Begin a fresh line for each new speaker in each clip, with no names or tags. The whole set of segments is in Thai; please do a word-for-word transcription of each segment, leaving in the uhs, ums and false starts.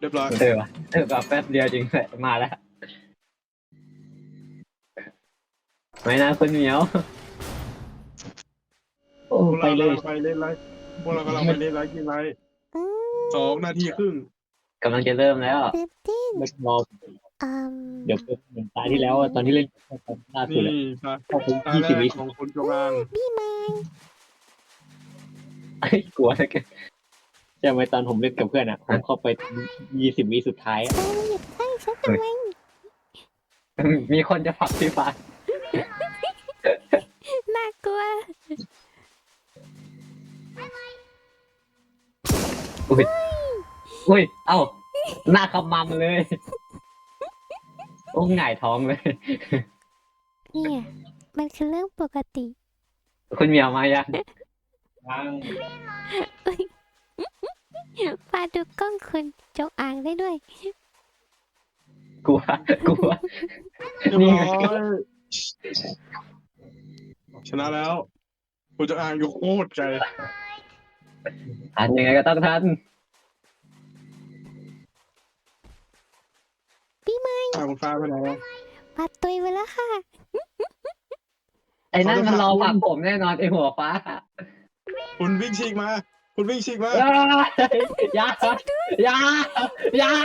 รียบร้อย
เออวะเออแบบแป๊บเดียวจริงเลยมาแล้วไม่นะคุณเหมียวโอ้
พวก
ไป
เรา
เลย
กำลังไปเล่นไลฟ์พวกเรากำลังไปเล่นไลฟ์กินไลฟ์
อืม
สองนาทีครึ่ง
กำลังจะเริ่มแล้ว
ตื่นเต้น
ไม่รอ
อืม
เดี๋ยวเป็นเหมือนตาที่แล้วอะตอนที่เล่นล่าสุด
นี่
อะ
ตา
เข้าไป
ตา
ยี่
แร
สิบ
ก
วิ
ของคุณจงอาง
พี่ไม้
ไอ้ยกลัวนะแก
ใช่ไหมตอนผมเล่นกับเพื่อนอะผมเข้าไปยี่สิบวิสุดท้ายอะ
เธอหยุดตั้งฉันทำไม
มีคนจะผลักพี่ฟ้า
น่ากลัว
อุ้ยอุ้ยเอ้าหน้าขมำเลย โอ้หงายท้องเลย
เนี่ยมันคือเรื่องปกติ
คุณเหมียวมายัง
ปาดูกล้องคุณจงอางได้ด้วย
กลัวกลัว
เรียบ
นี่
ร้อยชนะแล้ว คุณจงอางอยู่โคตรไกล
ทันยังไงก็ต้องทัน
พี่ไม้
ตาคุณฟ้าไปไหนแล้ว
ปาตุยไปแล้วค่ะ
ไอ้นั่น
เขาจะ
มันรอ
ผลักคุณ
ผลักผมแน่นอนไอ้หัวฟ้า
คุณวิ่งฉีกมา คุณวิ่งฉีกมา
เอ้ยอยาอยาอยา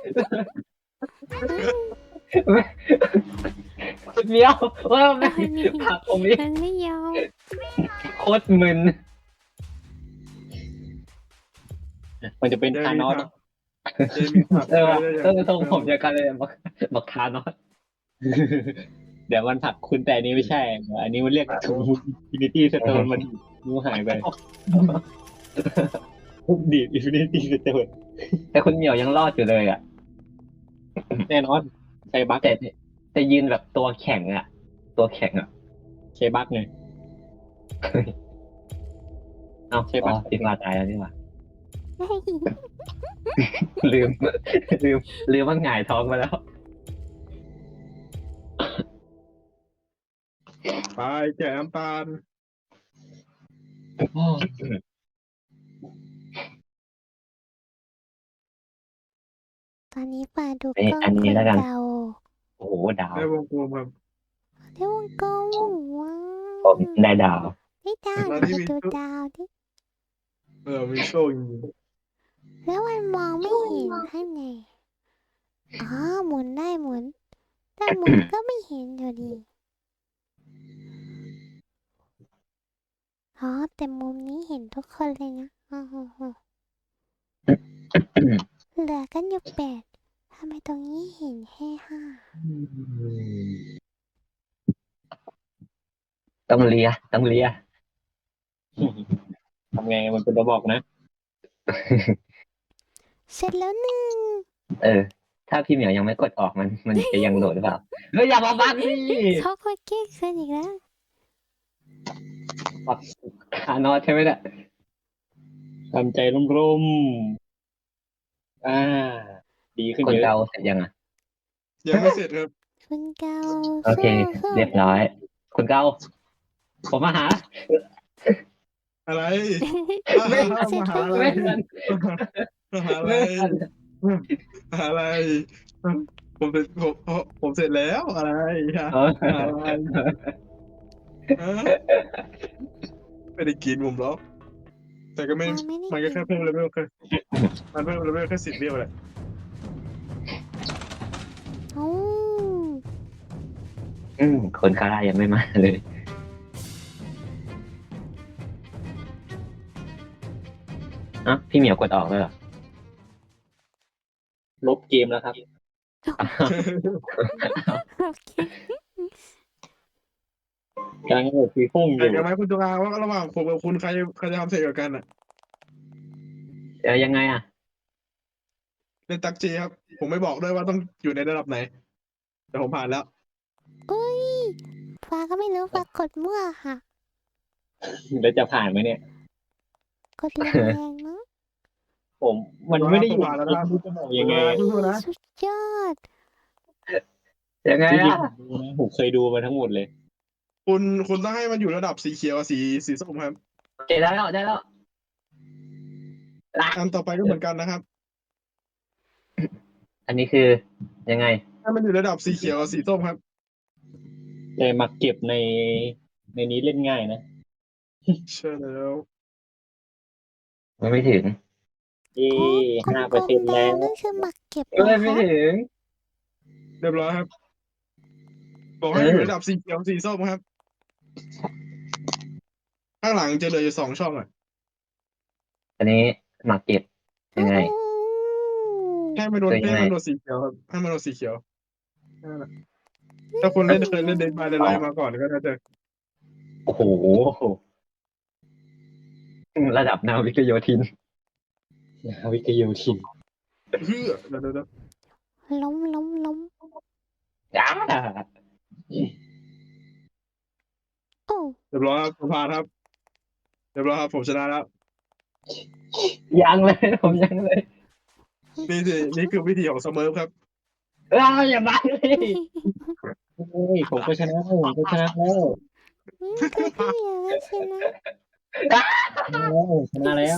คุณเหมียวว่าไม่ผลักผมนี่
มันไม่ยอม
โคตรมึน
มันจะเป็น
เจ
ทานอส
เจมีผัก
เออว่ะ
ได้
เออทรงผมจะกันเลยบักบักทานอส
เดี๋ยวมันผลักคุณแต่อันนี้ไม่ใช่ อันนี้มันเรียกทูอินฟินิตี้สโตนมันนิ้วหายไปทุบดีดอินฟินิตี้สโตน
แต่คุณเหมียวยังรอดอยู่เลยอ่ะ
แน่นอนใช้บั๊ก
แต่แต่ยืนแบบตัวแข็งอ่ะ ตัวแข็งอ่ะ
ใช้บั๊กไง
เอ้า
ใช่ปะ
อ๋อพี่ฟ้าตายแล้วนี่หว่า
เฮ้ย
ลืม ลืมลืมว่าหงายท้องไปแล้ว
ไปแจกน้ำตาล
ตอนนี้ปาดู
เอ้ย
กล้อง
อันนี้
คุณ
แล้วกัน
เดา
โอ้โหดาว
ได้วงกลมครับ
ได้วงกลมว้า
ผม
ว
ได้ดาว
ได้ดาว
ตอน
ไป
ที่มี
ดู
ชุด
ดาวดิ
เออมีโซ่จริง
แล้วมันมองไม่เห็นข้างในอ๋อหมุนได้หมุน แต่หมุนก็ไม่เห็นอยู่ดี อ๋อแต่มุมนี้เห็นทุกคนเลยนะอ๋อเหลือกันอยู่แปดทำไมตรงนี้เห็นแค่ห้า
ต้องเลียต้องเลีย
ทำไงมันเป็นระบอกนะ
เสร็จแล้วหนึ่ง
เออ ถ้าพี่เหมียวยังไม่กดออกมัน มันจะยังโดดหรือเปล่าเฮ้ยอย่ามาบังดิ
เขาก็เก้ขึ้นอีกแล้ว
ขานอดใช่ไหมเนี่ย
ทำใจร่มๆอ่า ดีขึ้น
คน
เยอะ
เกาเสร็จยังอ่ะ
ๆยังไม่เสร็จครับ
คุณเกา
โอเค
สู้ๆ
เรียบร้อย คุณเกาผมมาหา
อะไร
ไม่
มา
ทัน
หาอะไร
ไม่ทัน
มาหาอะไร
ไม่ทัน
มาหาอะไร ผมเสร็จผมผมเสร็จแล้วอะไรฮะ
เออ
หาอะไรฮะไม่ได้กินผมหรอกแต่ก็ไม่
เราไม่ได้
มันก็แค่
กิน
เพิ่มเลเวลแค่มันเพิ่มเลเวลแค่สิบเดียวแหละ
โอ้
อืมคนคาร่ายังไม่มาเลย เอ้าพี่เหมียวกดออกเลยเหรอ
ลบเกมแล้วครับ
โอเค
กำลังโหลดฟีฟุ้งอ
แข่ง
ยู่
กันไหมคุณจงอางว่าระหว่างผมกับคุณใครใครจะทำเสร็จกว่ากันอ่ะ
เดี๋ยวยังไงอ่ะ
เล่นตักจีครับ ผมไม่บอกด้วยว่าต้องอยู่ในระดับไหน แต่ผมผ่านแล้ว
อุ้ยฟ้าก็ไม่รู้ฟ้ากดมั่วค่ะ
แล้วจะผ่านไหมเนี่ย
กดแรงๆเนาะ
ผมมันไม่ได้อยู่
ผมผ่านแล้วนะครับ
ไม่รู้จะบอกยังไง
สู้ๆนะ
สุดยอด
ยังไง
จริง
อ่ะ
ๆผมดูนะผมเคยดูมาทั้งหมดเลย
คุณคุณต้องให้มันอยู่ระดับสีเขียวกับสีสีส้มครับ
โอเคได้แล้วได้แล้ว
อันต่อไปก็เหมือนกันนะครับ
อันนี้คือยังไง
ถ้ามันอยู่ระดับสีเขียวกับสีส้มครับ
แต่มาเก็บในในนี้เล่นง่ายนะ
ใช่แล้ว
มันไม่ถึง
เย่
อ๋อ
ห้าก เป
ล
อร์
ม
เซ็นต์
ๆแด
แล้
ง
ว
นั่นคือหมักเก็บเหร
เอ้
อย
ไม่
คะ
ถึง
เรียบร้อยครับ บอกให้
เออ
อ
อ
ยู่ระดับสีเขียวสีส้มครับ ข้างหลังจะเหลืออยู่สองช่องอ่ะ
อันนี้หมากเก็บยังไง
อืม
ให้มันโดน
คือยัง
ให้
ไง
มันโดนสีเขียวครับให้มันโดนสีเขียวนั่นแหละถ้าคนเล่นเคยเล่นเดนบายเดนไลน์มาก่อนก็น่าจะ
โอ้โห ระดับนาวิกโยธิน
วิทยุทิน
เฮือเดี๋ยวเดี๋ยวเดี๋ยว
ล้มล้มล้ม
จ้า
โอ้
เรียบร้อยครับผมผ่านครับ เรียบร้อยครับผมชนะแล้ว
ยังเลย ผมยังเลย
นี่สินี่คือวิธีของสเมิร์ฟครับ
อ้าวอย่ามาเลย
เฮ้ยผมก็ชนะแล้วผมก็ชนะแล้ว
อืมก็พี่อย่างนั้นสินะ
ชนะแล้ว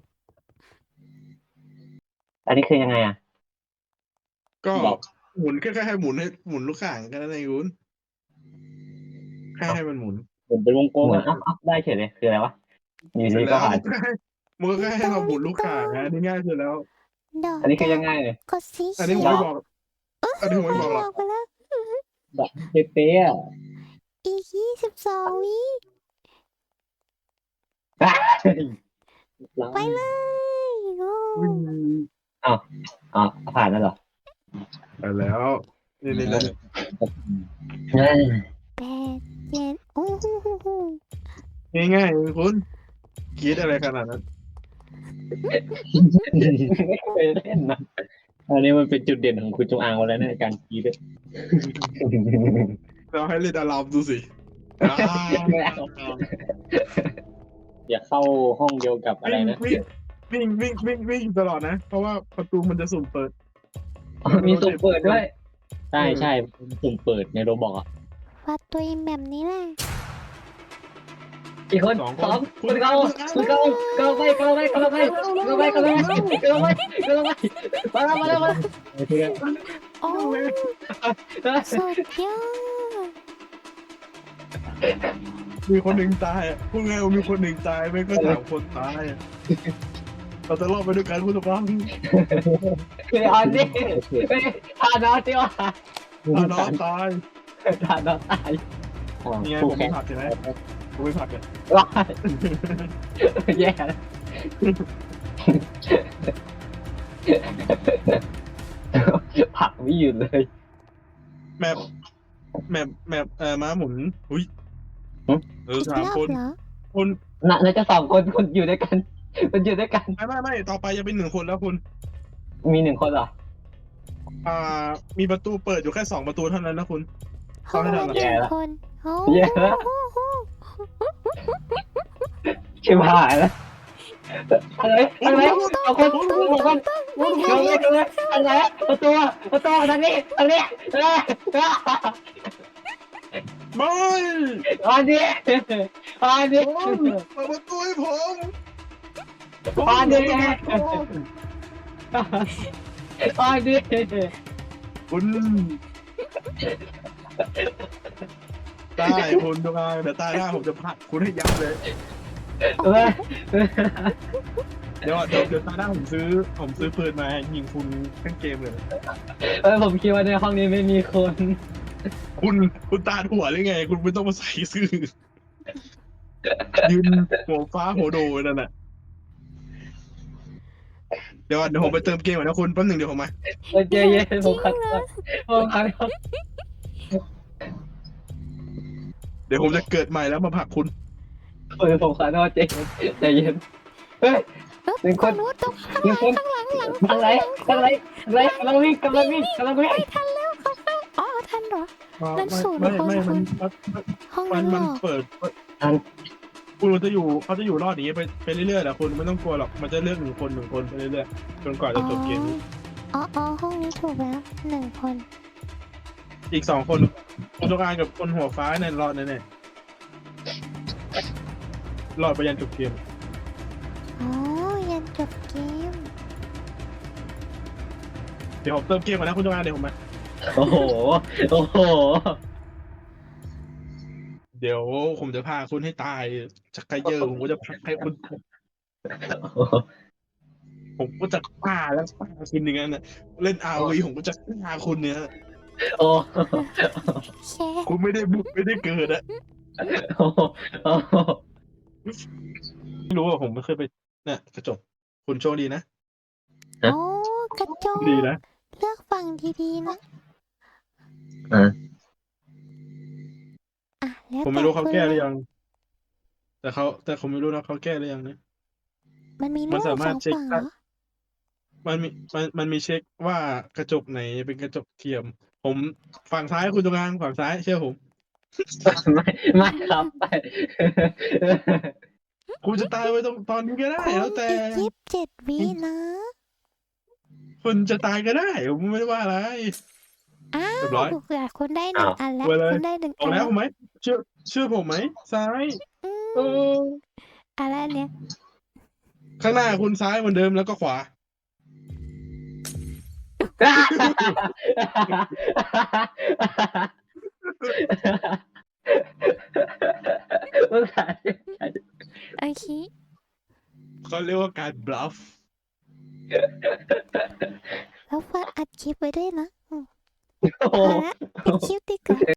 อันนี้คือยังไงอ่ะ
ก็
บอก
หมุนแค่แค่ให้หมุนให้หมุนลูกข่างแค่นั้นเองคุณแค่ให้มันหมุน
ผมเป็นวงกลม
เหมือน
อ่ะ
อัพอัพได้เฉยเลยคืออะไรวะอยู่
เสร็
ดี
จ
ก็
แล้ว
ผ่าน
มันก็แค่ให้เราหมุนลูกข่างนะนี่ง่ายสุดแล้ว
ดอก
อันนี้คือยังไง
กดสี
อัน
เขี
นี้
ยว
ผมไม่บอก อันนี้ผมไม่บอกหรอก
ไปแล้ว
แบบเป๊ะๆอ่ะ
อีกยี่สิบสองวิ ไปเลยโอ้
วิ่ง
อ๋อผ่านแล้วเหรอ
ไปแล้ว นี่นี่นี่
เฮ้ย
แปดเจ็ดโอ้โหโหโห
ง่ายๆเองคุณคิดอะไรขนาดนั้น
ไม่เคยเล่นนะ
อันนี้มันเป็นจุดเด่นของคุณจงอางแล้วในการคีด
เราให้เล่นอารามดูสิ
อย่าเข้าห้องเดียวกับอะไรนะ
วิ่งวิ่งวิ่งวิ่งวิ่งตลอดนะ เพราะว่าประตูมันจะสุ่มเปิด
มีสุ่มเปิดด้วย
ใช่ใช่ผมเปิดในโรบอกอ่ะ
วัดตัวเองแบบนี้แหละ
กี่คนสองคนเขาคนเขาเขาไปเขาไปเขาไปเขาไปเขาไปเขาไปเขาไปมาแล้วมาแล้วมาแล้ว
โอ้สุดยอด
มีคนหนึ่งตายอ่ะพูดง่ายว่ามีคนหนึ่งตายไม่ก็สามคนตายอะเราจะรอดไปด้วยกันคุณผู้ชม
คืออันนี้ไม่ทานอที่ว่า
อ่ะน้องตาย
ทานอตาย
นี่ไงผมไม่ผักใช่ไหมผมไม่ผักเลย
ว้าแย่ผักไม่หยุดเลย
แมปแมปแมปเอ่อม้าหมุนอุ้ยเออ
อีก
สาม
รอบ
คน
เหรอ
คน
น่าน่าจะสองคนคนอยู่ด้วยกันคนอยู่ด้วยกัน
ไม่ไม่ไม่ต่อไปจะเป็นหนึ่งคนแล้วคุณ
มีหนึ่งคนเหรอ
อ่า มีประตูเปิดอยู่แค่สองประตูเท่านั้นนะคุณ
ห้องละห
แย่
นึ่ง
ละ
คนโอ้
แย่ละ
โห
ชิบหายแล้วอะไรอะไรเอาคนเอาคนเอาเลยเอาเลยอะไรประตูประตูทางนี้ทางนี้เออ
ไม่
อันนี้อันนี้
ผมเปิดประตูให้ผม
อันนี้อันนี้
คุณได้คุณตรงกลางเดี๋ยวตายได้ผมจะผลักคุณให้ยับเลย
เออ
เดี๋ยวเดี๋ยวเดี๋ยวตายได้ผมซื้อ ผมซื้อปืนมายิงคุณทั้งเกมเลย
เออผมคิดว่าในห้องนี้ไม่มีคน
คุณคุณตาหัวหรือไง คุณไม่ต้องมาใส่ซื่อยืนหัวฟ้าหัวโดนั่นน่ะเดี๋ยวเดี๋ยวผมไปเติมเกมก่อนนะคุณแป๊บหนึ่งเดี๋ยวผมมา
โอเคเย็นผมขัดผมขัด
เดี๋ยวผมจะเกิดใหม่แล้วมาผลักคุณ
เออผมขัดว่าเจ๊ใจเย็นเฮ้ย หนึ่งคน
โอ้ตรงข้าง
หนึ่งคน
ข้างหลังหลัง
อะไรอะไรอะไรกำลังวิ่งกำลังวิ่งกำลังวิ่ง
ไม่ทันแล้วเขาเข้าอ๋อทันเหรอ นั่นศูนย์
ไม่
คน
ไม่
คุ
มัน
ณ ห้อง
มั
นั้น นเหร
มัน
อ
เปิดคุณมันจะอยู่เขาจะอยู่รอดอย่างนี้ไปไปเรื่อยๆแหละคุณไม่ต้องกลัวหรอกมันจะเลือกหนึ่งคนหนึ่งคนไปเรื่อยๆจนกว่าจะจบเกมนี้
อ๋ออ๋อห้องนี้ถูกแล้วหนึ่งคน
อีกสองคนคุณจงอางกับคนหัวฟ้าเนี่ยรอดแน่ๆรอดไปยันจบเกม
อ๋อยันจบเกม
เดี๋ยวผมเติมเกมก่อนนะคุณจงอางเดี๋ยวผมมา
โอ้โหโอ้โห
เดี๋ยวผมจะพาคุณให้ตายชักไกเยอร์ผมก็จะพักให้คุณผมก็จะฆ่าแล้วฆ่าคุณอย่างนั้นนะเล่นอาวีผมก็จะฆ่าคุณเนี่ย
โอ้
แช
คุณไม่ได้บุกไม่ได้เกิดอะ
โอ้โอ้
ไม่รู้ว่าผมไม่เคยไปเนี่ยกระจกคุณโชคดีนะ
โอ้กระจก
ดีนะ
เลือกฟังดีๆนะ
อ่ะ
อ่ะแล้ว
ผม
แต่
ไม่รู้เขา
คุณ
แก้ห
เล
รื
ย
อยัง แต่เขาแต่ผมไม่รู้นะเขาแก้หรือยังนะ
มันมี
มัน
รูป
สา
ส
มารถ
อง
เช็ค
ฝั่งเหร
ได้
อ
มันมีมันมันมีเช็คว่ากระจกไหนเป็นกระจกเทียม ผมฝั่งซ้ายคุณจงอางฝั่งซ้ายเชื่อผม
ไม่ไม่ครับไป
คุณจะตายไว้ตรงตอนนี้ก็ได้
คุณ
แล้วแต่
อีกยี่สิบเจ็ดวินะ
คุณจะตายก็ได้ผมไม่ได้ว่าอะไร
อ้า
เรียบร้
ว
อย
คุณได้หนึ่งอันแล้ว
ไปเลย
คุณได้หนึ่ง
ออ
อั
ก
น
แล้
แล้ว ว
ไหมเชื่อเชื่อผมไหมซ้าย
อื
เอ
ม
อ
อะไรเนี่ย
ข้างหน้าคุณซ้ายเหมือนเดิมแล้วก็ขวา
อุตส่าห์
โอเค
เขาเรียกว่าการบลัฟ
แล้วฟังอัดคลิปไว้ด้วยนะอืม
โอ้
พ
โห
อละปิดคลิปดีกว่า